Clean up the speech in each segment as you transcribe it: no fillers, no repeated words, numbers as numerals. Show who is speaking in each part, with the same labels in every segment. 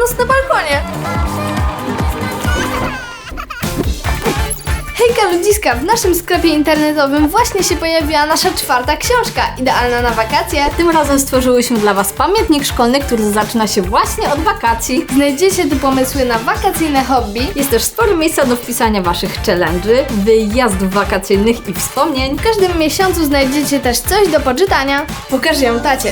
Speaker 1: nos na balkonie. Hejka ludziska, w naszym sklepie internetowym właśnie się pojawiła nasza 4. książka, idealna na wakacje.
Speaker 2: Tym razem stworzyłyśmy dla Was pamiętnik szkolny, który zaczyna się właśnie od wakacji.
Speaker 1: Znajdziecie tu pomysły na wakacyjne hobby.
Speaker 2: Jest też sporo miejsca do wpisania Waszych challenge'y, wyjazdów wakacyjnych i wspomnień.
Speaker 1: W każdym miesiącu znajdziecie też coś do poczytania. Pokażę ją tacie.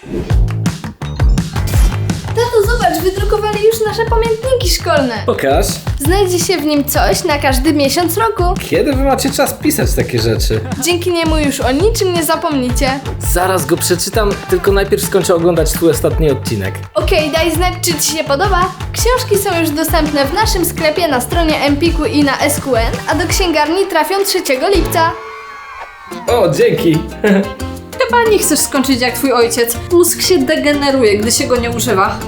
Speaker 1: Tato, zobacz, wydrukowali już nasze pamiętniki szkolne.
Speaker 3: Pokaż.
Speaker 1: Znajdzie się w nim coś na każdy miesiąc roku.
Speaker 3: Kiedy wy macie czas pisać takie rzeczy?
Speaker 1: Dzięki niemu już o niczym nie zapomnicie.
Speaker 3: Zaraz go przeczytam, tylko najpierw skończę oglądać twój ostatni odcinek.
Speaker 1: Okej, daj znać, czy Ci się podoba. Książki są już dostępne w naszym sklepie na stronie Empiku i na SQN, a do księgarni trafią 3 lipca.
Speaker 3: O, dzięki.
Speaker 2: Chyba nie chcesz skończyć jak Twój ojciec. Mózg się degeneruje, gdy się go nie używa.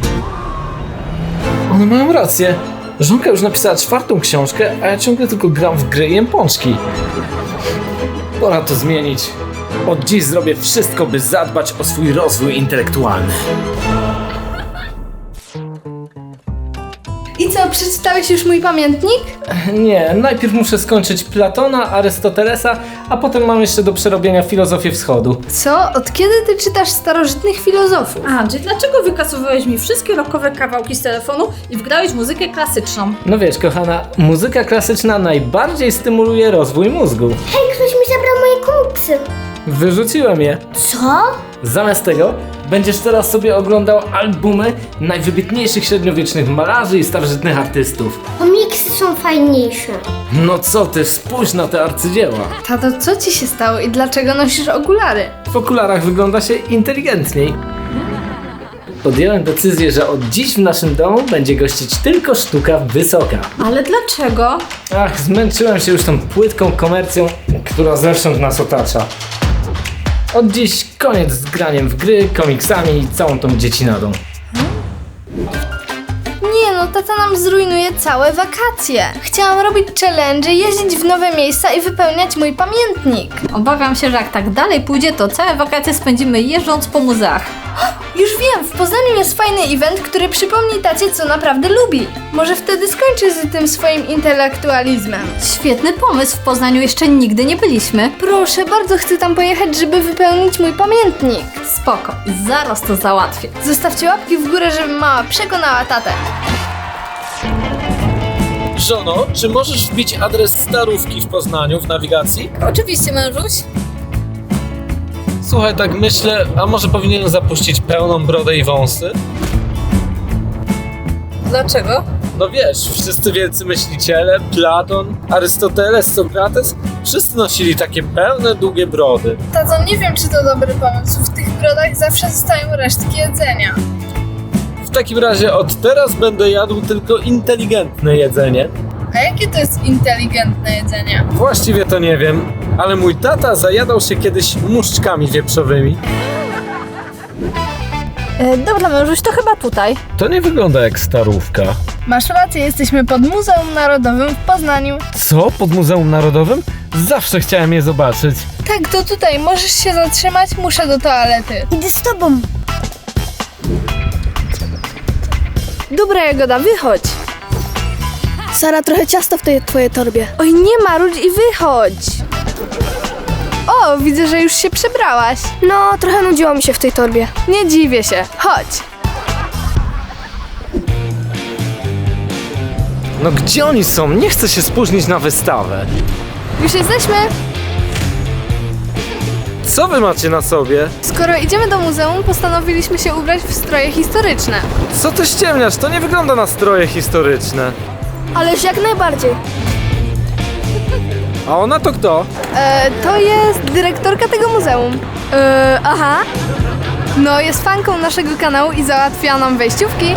Speaker 3: One mają rację. Żonka już napisała 4. książkę, a ja ciągle tylko gram w gry i jem pączki. Pora to zmienić. Od dziś zrobię wszystko, by zadbać o swój rozwój intelektualny.
Speaker 1: I co, przeczytałeś już mój pamiętnik?
Speaker 3: Nie, najpierw muszę skończyć Platona, Arystotelesa, a potem mam jeszcze do przerobienia filozofię wschodu.
Speaker 1: Co? Od kiedy Ty czytasz starożytnych filozofów?
Speaker 2: Andrzej, dlaczego wykasowałeś mi wszystkie rockowe kawałki z telefonu i wgrałeś muzykę klasyczną?
Speaker 3: No wiesz, kochana, muzyka klasyczna najbardziej stymuluje rozwój mózgu.
Speaker 4: Hej, ktoś mi zabrał moje komiksy.
Speaker 3: Wyrzuciłem je.
Speaker 4: Co?
Speaker 3: Zamiast tego będziesz teraz sobie oglądał albumy najwybitniejszych średniowiecznych malarzy i starożytnych artystów.
Speaker 4: Komiksy są fajniejsze.
Speaker 3: No co ty, spójrz na te arcydzieła.
Speaker 1: Tato, co Ci się stało i dlaczego nosisz okulary?
Speaker 3: W okularach wygląda się inteligentniej. Podjąłem decyzję, że od dziś w naszym domu będzie gościć tylko sztuka wysoka.
Speaker 2: Ale dlaczego?
Speaker 3: Ach, zmęczyłem się już tą płytką komercją, która zewsząd nas otacza. Od dziś koniec z graniem w gry, komiksami i całą tą dziecinadą.
Speaker 1: Nie no, tata nam zrujnuje całe wakacje. Chciałam robić challenge, jeździć w nowe miejsca i wypełniać mój pamiętnik.
Speaker 2: Obawiam się, że jak tak dalej pójdzie, to całe wakacje spędzimy jeżdżąc po muzeach.
Speaker 1: Już wiem, w Poznaniu jest fajny event, który przypomni tacie, co naprawdę lubi. Może wtedy skończy z tym swoim intelektualizmem.
Speaker 2: Świetny pomysł, w Poznaniu jeszcze nigdy nie byliśmy.
Speaker 1: Proszę, bardzo chcę tam pojechać, żeby wypełnić mój pamiętnik.
Speaker 2: Spoko, zaraz to załatwię.
Speaker 1: Zostawcie łapki w górę, żeby mama przekonała tatę.
Speaker 3: Żono, czy możesz wbić adres Starówki w Poznaniu w nawigacji?
Speaker 2: Oczywiście, mężuś.
Speaker 3: Słuchaj, tak myślę, a może powinienem zapuścić pełną brodę i wąsy?
Speaker 2: Dlaczego?
Speaker 3: No wiesz, wszyscy wielcy myśliciele, Platon, Arystoteles, Sokrates, wszyscy nosili takie pełne, długie brody.
Speaker 1: Tato, nie wiem, czy to dobry pomysł. W tych brodach zawsze zostają resztki jedzenia.
Speaker 3: W takim razie od teraz będę jadł tylko inteligentne jedzenie.
Speaker 1: A jakie to jest inteligentne jedzenie?
Speaker 3: Właściwie to nie wiem, ale mój tata zajadał się kiedyś muszczkami wieprzowymi.
Speaker 2: Dobra, mężuś, to chyba tutaj.
Speaker 3: To nie wygląda jak Starówka.
Speaker 1: Masz rację, jesteśmy pod Muzeum Narodowym w Poznaniu.
Speaker 3: Co? Pod Muzeum Narodowym? Zawsze chciałem je zobaczyć.
Speaker 1: Tak, to tutaj. Możesz się zatrzymać? Muszę do toalety.
Speaker 4: Idę z tobą.
Speaker 1: Dobra, Jagoda, wychodź.
Speaker 5: Sara, trochę ciasto w tej twojej torbie.
Speaker 1: Oj, nie marudź i wychodź. O, widzę, że już się przebrałaś.
Speaker 5: No, trochę nudziło mi się w tej torbie.
Speaker 1: Nie dziwię się. Chodź.
Speaker 3: No gdzie oni są? Nie chcę się spóźnić na wystawę.
Speaker 1: Już jesteśmy.
Speaker 3: Co wy macie na sobie?
Speaker 1: Skoro idziemy do muzeum, postanowiliśmy się ubrać w stroje historyczne.
Speaker 3: Co ty ściemniasz? To nie wygląda na stroje historyczne.
Speaker 5: Ależ jak najbardziej.
Speaker 3: A ona to kto?
Speaker 1: To jest dyrektorka tego muzeum.
Speaker 5: Aha.
Speaker 1: No, jest fanką naszego kanału i załatwia nam wejściówki.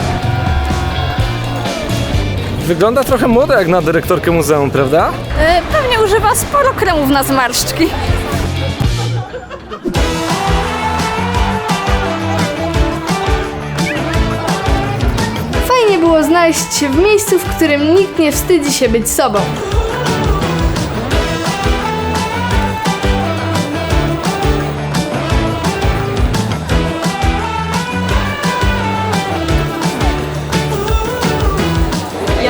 Speaker 3: Wygląda trochę młoda jak na dyrektorkę muzeum, prawda?
Speaker 2: Pewnie używa sporo kremów na zmarszczki.
Speaker 1: Fajnie było znaleźć się w miejscu, w którym nikt nie wstydzi się być sobą.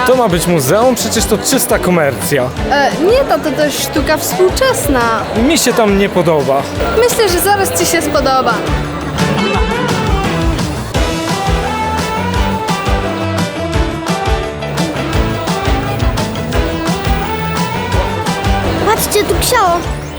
Speaker 3: To ma być muzeum? Przecież to czysta komercja.
Speaker 1: Nie, tato, to jest sztuka współczesna.
Speaker 3: Mi się tam nie podoba.
Speaker 1: Myślę, że zaraz ci się spodoba.
Speaker 4: Patrzcie, tu książ.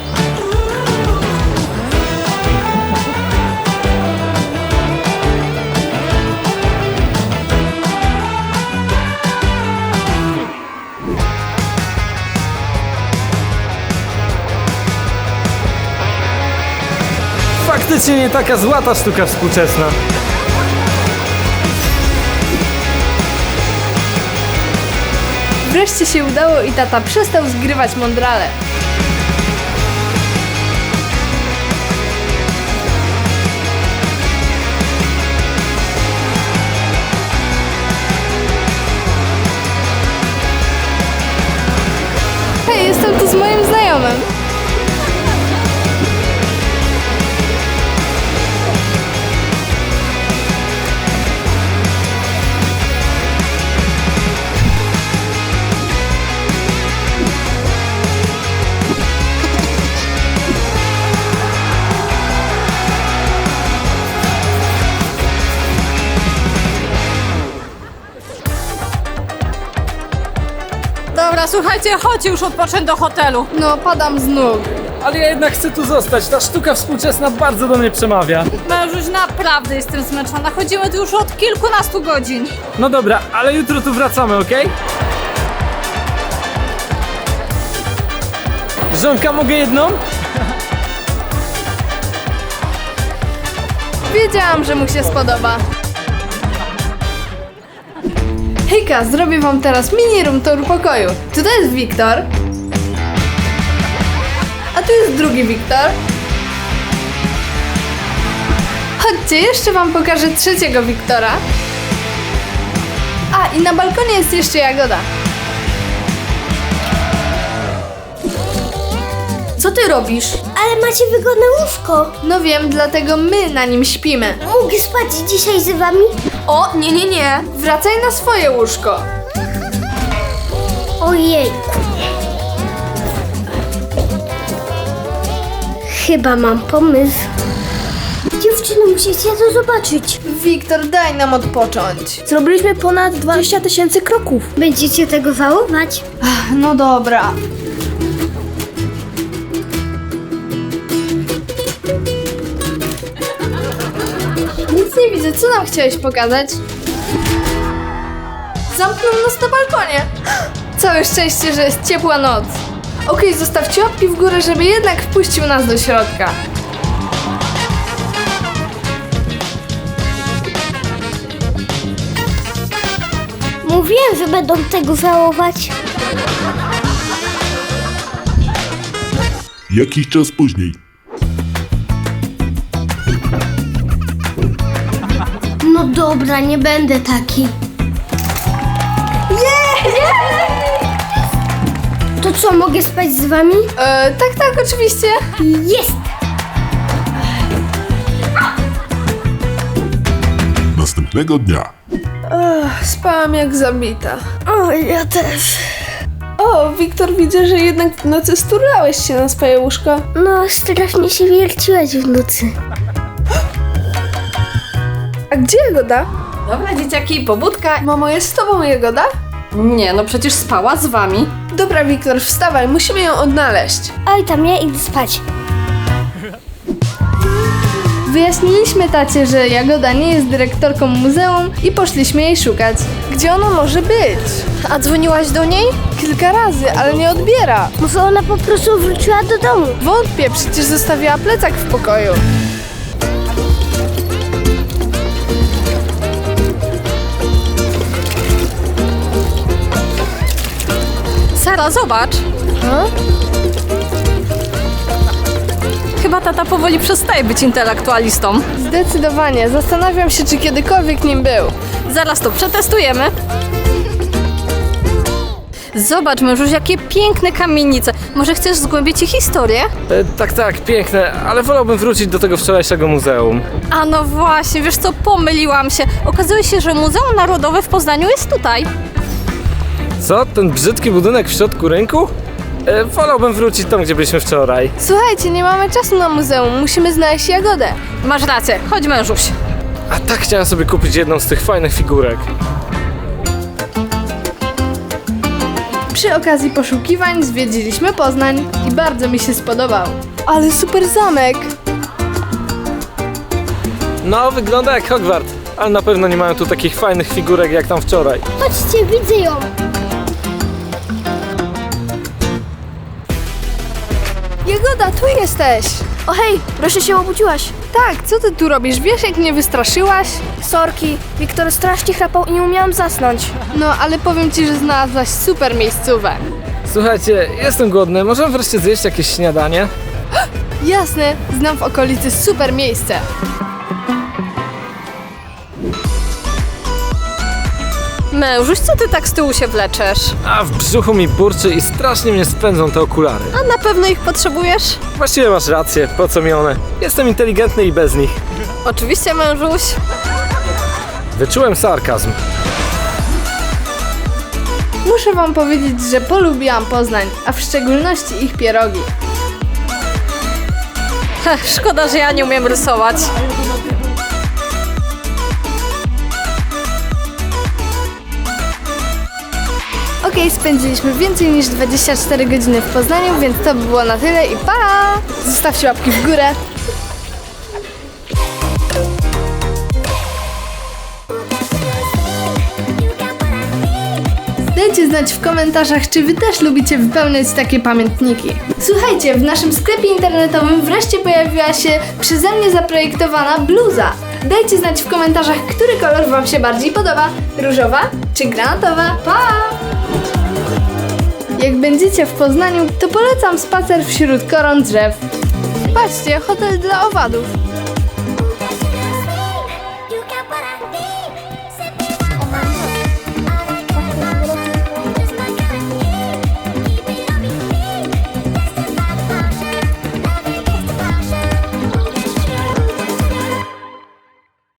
Speaker 3: Faktycznie nie taka zła ta sztuka współczesna.
Speaker 1: Wreszcie się udało i tata przestał zgrywać mądrale. Hej, jestem tu z moim znajomym.
Speaker 2: Dobra, słuchajcie, chodźcie już odpocząć do hotelu.
Speaker 1: No, padam z nóg.
Speaker 3: Ale ja jednak chcę tu zostać. Ta sztuka współczesna bardzo do mnie przemawia.
Speaker 2: Mężuś, naprawdę jestem zmęczona. Chodzimy tu już od kilkunastu godzin.
Speaker 3: No dobra, ale jutro tu wracamy, okej? Żonka, mogę jedną?
Speaker 1: Wiedziałam, że mu się spodoba. Hejka, zrobię wam teraz mini room tour pokoju. Tutaj jest Wiktor. A tu jest drugi Wiktor. Chodźcie, jeszcze wam pokażę trzeciego Wiktora. A, i na balkonie jest jeszcze Jagoda.
Speaker 2: Co ty robisz?
Speaker 4: Ale macie wygodne łóżko.
Speaker 1: No wiem, dlatego my na nim śpimy.
Speaker 4: Mogę spać dzisiaj z wami?
Speaker 1: O, nie. Wracaj na swoje łóżko.
Speaker 4: Ojej. Chyba mam pomysł. Dziewczyny, musicie to zobaczyć.
Speaker 1: Wiktor, daj nam odpocząć.
Speaker 5: Zrobiliśmy ponad 20 000 kroków.
Speaker 4: Będziecie tego żałować?
Speaker 1: No dobra. Nic nie widzę, co nam chciałeś pokazać? Zamknął nas na balkonie. Całe szczęście, że jest ciepła noc. Okej, zostawcie łapki w górę, żeby jednak wpuścił nas do środka.
Speaker 4: Mówiłem, że będą tego żałować.
Speaker 6: Jakiś czas później.
Speaker 4: No dobra, nie będę taki. To co, mogę spać z wami?
Speaker 1: Tak, oczywiście.
Speaker 4: Jest!
Speaker 6: Następnego dnia.
Speaker 5: Spałam jak zabita. O, ja też. O, Wiktor, widzę, że jednak w nocy sturlałeś się na swoje łóżko.
Speaker 4: No, strasznie się wierciłeś w nocy.
Speaker 5: A gdzie Jagoda?
Speaker 2: Dobra, dzieciaki, pobudka.
Speaker 5: Mamo, jest z tobą Jagoda?
Speaker 2: Nie, no przecież spała z wami.
Speaker 5: Dobra, Wiktor, wstawaj, musimy ją odnaleźć.
Speaker 4: Oj, tam ja idę spać.
Speaker 1: Wyjaśniliśmy tacie, że Jagoda nie jest dyrektorką muzeum i poszliśmy jej szukać.
Speaker 5: Gdzie ona może być?
Speaker 1: A dzwoniłaś do niej?
Speaker 5: Kilka razy, ale nie odbiera.
Speaker 4: Może ona po prostu wróciła do domu.
Speaker 5: Wątpię, przecież zostawiła plecak w pokoju.
Speaker 2: Sara, zobacz. Chyba tata powoli przestaje być intelektualistą.
Speaker 1: Zdecydowanie. Zastanawiam się, czy kiedykolwiek nim był.
Speaker 2: Zaraz to przetestujemy. Zobacz, mężuś, jakie piękne kamienice. Może chcesz zgłębić ich historię?
Speaker 3: Tak, piękne, ale wolałbym wrócić do tego wczorajszego muzeum.
Speaker 2: A no właśnie, wiesz co, pomyliłam się. Okazuje się, że Muzeum Narodowe w Poznaniu jest tutaj.
Speaker 3: Co? Ten brzydki budynek w środku rynku? Wolałbym wrócić tam, gdzie byliśmy wczoraj.
Speaker 1: Słuchajcie, nie mamy czasu na muzeum, musimy znaleźć Jagodę.
Speaker 2: Masz rację, chodź mężuś.
Speaker 3: A tak chciałem sobie kupić jedną z tych fajnych figurek.
Speaker 1: Przy okazji poszukiwań zwiedziliśmy Poznań i bardzo mi się spodobał. Ale super zamek!
Speaker 3: No, wygląda jak Hogwart, ale na pewno nie mają tu takich fajnych figurek jak tam wczoraj.
Speaker 4: Chodźcie, widzę ją.
Speaker 1: Jagoda, tu jesteś!
Speaker 4: O hej, proszę się obudziłaś.
Speaker 1: Tak, co ty tu robisz? Wiesz, jak mnie wystraszyłaś?
Speaker 4: Sorki, Wiktor strasznie chrapał i nie umiałam zasnąć.
Speaker 1: No, ale powiem ci, że znalazłaś super miejscówę.
Speaker 3: Słuchajcie, jestem głodny, możemy wreszcie zjeść jakieś śniadanie?
Speaker 1: Jasne, znam w okolicy super miejsce.
Speaker 2: Mężuś, co ty tak z tyłu się wleczesz?
Speaker 3: A w brzuchu mi burczy i strasznie mnie spędzą te okulary.
Speaker 2: A na pewno ich potrzebujesz?
Speaker 3: Właściwie masz rację, po co mi one? Jestem inteligentny i bez nich.
Speaker 2: Oczywiście, mężuś.
Speaker 3: Wyczułem sarkazm.
Speaker 1: Muszę wam powiedzieć, że polubiłam Poznań, a w szczególności ich pierogi.
Speaker 2: Szkoda, że ja nie umiem rysować.
Speaker 1: Okej, spędziliśmy więcej niż 24 godziny w Poznaniu, więc to by było na tyle i pa! Zostawcie łapki w górę. Dajcie znać w komentarzach, czy wy też lubicie wypełniać takie pamiętniki. Słuchajcie, w naszym sklepie internetowym wreszcie pojawiła się przeze mnie zaprojektowana bluza. Dajcie znać w komentarzach, który kolor wam się bardziej podoba. Różowa czy granatowa? Pa! Jak będziecie w Poznaniu, to polecam spacer wśród koron drzew. Patrzcie, hotel dla owadów.